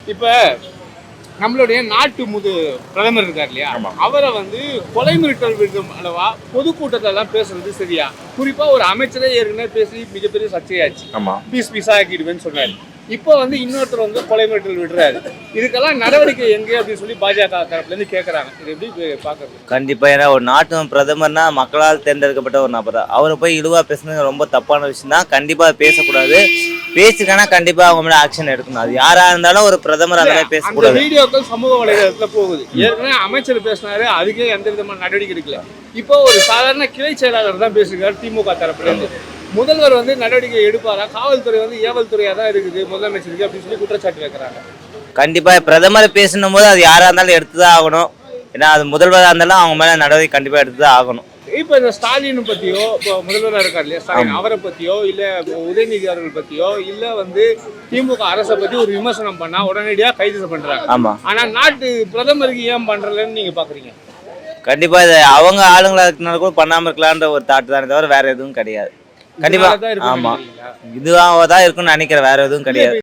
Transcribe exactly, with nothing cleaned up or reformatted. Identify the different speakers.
Speaker 1: இப்ப நம்மளுடைய நாட்டு முது பிரதமர் இருக்கார் இல்லையா, அவரை வந்து கொலை மிரட்டல் விடுக்கும் அளவா பொதுக்கூட்டத்துல எல்லாம் பேசுறது சரியா? குறிப்பா ஒரு அமைச்சரே ஏற்கனவே பேசி மிகப்பெரிய சர்ச்சையாச்சு, பீஸ் பீஸா ஆக்கிடுவேன்னு சொன்னாரு. இப்போ வந்து இன்னொருத்தர் வந்து கொலை மிரட்டல் விடுறாரு. இதுக்கெல்லாம் நடவடிக்கை எங்கே அப்படின்னு சொல்லி பாஜக தரப்புல இருந்து கேட்கறாங்க. இது எப்படி பாக்குறது?
Speaker 2: கண்டிப்பா, ஏன்னா ஒரு நாட்டு பிரதமர்னா மக்களால் தேர்ந்தெடுக்கப்பட்ட ஒரு நபர் தான். அவரை போய் இழிவா பேசுனது ரொம்ப தப்பான விஷயம் தான். கண்டிப்பா பேசக்கூடாது. பேசுக்கானா கண்டிப்பா அவங்க மேல ஆக்ஷன் எடுக்கணும். அது யாரா இருந்தாலும் ஒரு பிரதமர் அந்த மாதிரி பேசக்கூடாது.
Speaker 1: வீடியோக்கள் சமூக வலைதளத்துல போகுது. ஏற்கனவே அமைச்சர் பேசினாரு, அதுக்கே எந்த விதமான நடவடிக்கை எடுக்கல. இப்போ ஒரு சாதாரண கிளை செயலாளர் தான் பேசுகிறார் திமுக தரப்புல இருந்து. முதல்வர் வந்து நடவடிக்கை எடுப்பாரா? காவல்துறை வந்து ஏவல் துறையா தான் இருக்குது முதலமைச்சருக்கு அப்படின்னு சொல்லி குற்றச்சாட்டு வைக்கிறாங்க.
Speaker 2: கண்டிப்பா பிரதமர் பேசணும் போது அது யாரா இருந்தாலும் எடுத்துதான் ஆகணும். ஏன்னா அது முதல்வராக இருந்தாலும் அவங்க மேல நடவடிக்கை கண்டிப்பா எடுத்துதான் ஆகணும்.
Speaker 1: இப்ப இந்த ஸ்டாலின் பத்தியோ, இப்போ முதல்வராக இருக்கார் இல்லையா ஸ்டாலின், அவரை பத்தியோ இல்ல உதயநிதி அவர்கள் பத்தியோ இல்ல வந்து திமுக அரசை பத்தி ஒரு விமர்சனம் பண்ணா உடனடியா கைது பண்றாங்க.
Speaker 2: ஆமா,
Speaker 1: ஆனா நாட்டு பிரதமருக்கு ஏன் பண்றலன்னு நீங்க பாக்குறீங்க?
Speaker 2: கண்டிப்பா இது அவங்க ஆளுங்களா இருக்கனால கூட பண்ணாம இருக்கலான்ற ஒரு தாட்டு தானே தவிர வேற எதுவும் கிடையாது. கண்டிப்பா ஆமா, இதுவாக தான் இருக்குன்னு நினைக்கிறேன், வேற எதுவும் கிடையாது.